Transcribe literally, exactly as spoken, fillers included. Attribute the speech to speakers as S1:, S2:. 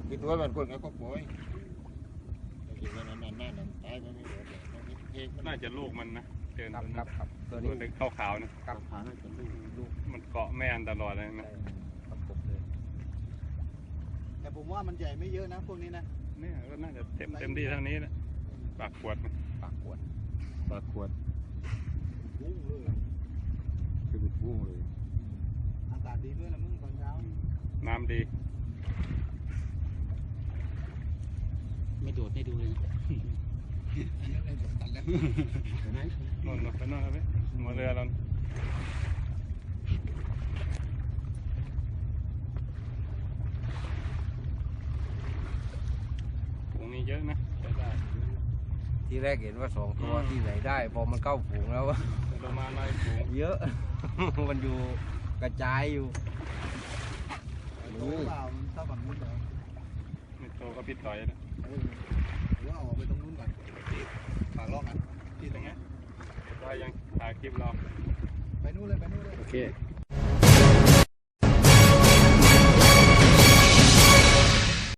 S1: คิดว่ามันคนเขาก็ปล่อยอยู่กันนานๆนั่นตายไปไม่หมดเลยเอง
S2: น่าจะลูกมันนะเจน
S3: ครับครับครับตัว
S2: ตัว
S3: นี้
S2: เล็กขาวๆนะครับ
S1: ผ่านให้เป็นลูกลูก
S2: มันเกาะแม่อันตลอดเลยนะ
S3: ประกบเลย
S4: แต่ผมว่ามันใหญ่ไม่เยอะนะพวกนี้นะ
S2: เนี่ยก็น่าจะเต็มเต็มที่เท่านี้นะปากขวด
S3: ปากขวด
S1: ปลาขวด
S4: วุ้งเลย
S1: คือบุกบุ้งเลย
S4: อากาศดีด้วยนะมึงตอนเช้า
S2: น้ำดี
S5: ไม่โดดให้ดูเลยนะ
S1: เห็นไหม
S2: นอนไปนอนครับพี่หัวเรือเราฝูงนี้เยอะนะใช้ได้
S3: ทีแรกเห็นว่าสองตัวที่ไหนได้พอมันเข้าฝูงแล้ว
S2: เรามาไล่ฝูง
S3: เยอะ มันอยู่กระจายอยู่
S4: โตเปล่ามันเท่าฝั่งนู้นเหรอ
S2: ไม่โตก็ปิดต่อยนะ
S4: เออหรือว่าออกไปตรงนู้นก่อนฝากลอกกันที่ตรงนี้
S2: ได้ยังถ่ายคลิปเรา
S4: ไปนู้นเลยไปนู้นเลย
S3: โอเค